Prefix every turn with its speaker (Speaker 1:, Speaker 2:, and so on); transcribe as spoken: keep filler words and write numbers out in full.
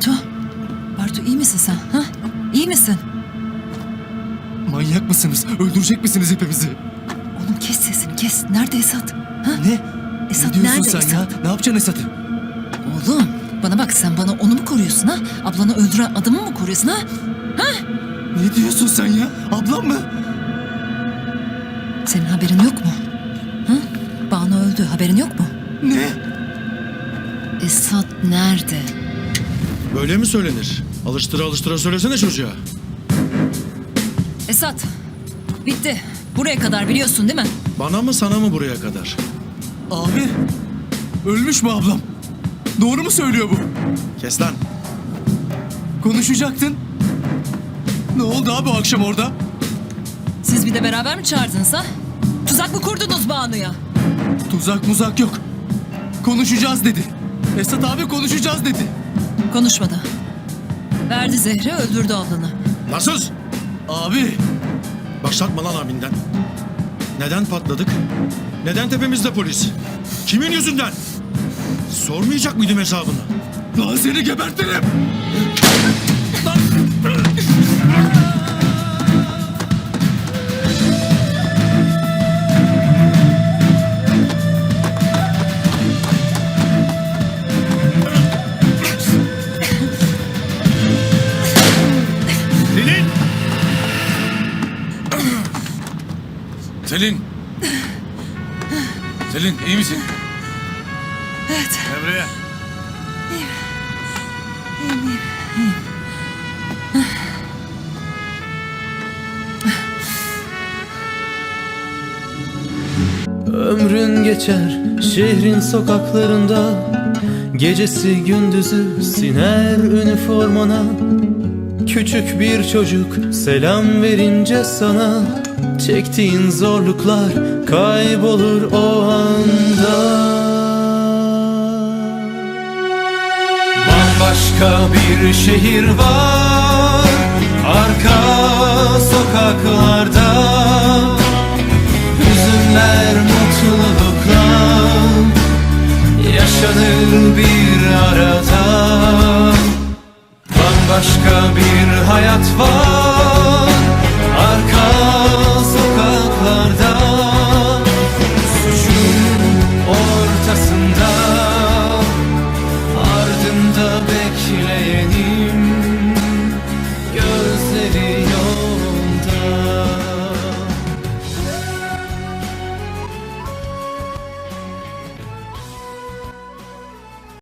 Speaker 1: Bartu. Bartu iyi misin sen? Ha? İyi misin?
Speaker 2: Manyak mısınız? Öldürecek misiniz hepimizi?
Speaker 1: Oğlum kes sesini kes. Nerede Esat? Ha?
Speaker 2: Ne?
Speaker 1: Esat
Speaker 2: ne diyorsun
Speaker 1: nerede
Speaker 2: sen
Speaker 1: Esat?
Speaker 2: ya? Ne yapacaksın Esat'ı?
Speaker 1: Oğlum bana bak, sen bana onu mu koruyorsun ha? Ablanı öldüren adamı mı koruyorsun ha?
Speaker 2: Ne diyorsun sen ya? Ablam mı?
Speaker 1: Senin haberin yok mu? Ha? Banu öldü, haberin yok mu?
Speaker 2: Ne?
Speaker 1: Esat nerede?
Speaker 3: Böyle mi söylenir? Alıştıra alıştıra söylesene çocuğa.
Speaker 1: Esat, bitti. Buraya kadar biliyorsun değil mi?
Speaker 3: Bana mı sana mı buraya kadar?
Speaker 2: Abi. Ölmüş mü ablam? Doğru mu söylüyor bu?
Speaker 3: Kes lan.
Speaker 2: Konuşacaktın. Ne oldu abi o akşam orada?
Speaker 1: Siz bir de beraber mi çağırdınız ha? Tuzak mı kurdunuz Banu'ya?
Speaker 2: Tuzak muzak yok. Konuşacağız dedi. Esat abi konuşacağız dedi.
Speaker 1: Konuşmadı. Verdi zehri, öldürdü ablanı.
Speaker 3: Lan sus!
Speaker 2: Abi.
Speaker 3: Başlatma lan abinden. Neden patladık? Neden tepemizde polis? Kimin yüzünden? Sormayacak mıydım hesabını?
Speaker 2: Lan seni gebertirim.
Speaker 3: Selin! Selin! Selin iyi misin?
Speaker 1: Evet.
Speaker 3: Emre'ye.
Speaker 4: Ömrün geçer şehrin sokaklarında, gecesi gündüzü siner üniformana. Küçük bir çocuk selam verince sana, çektiğin zorluklar kaybolur o anda. Bambaşka bir şehir var arka sokaklarda. Hüzünler mutluluklar yaşanır bir arada. Bambaşka bir hayat var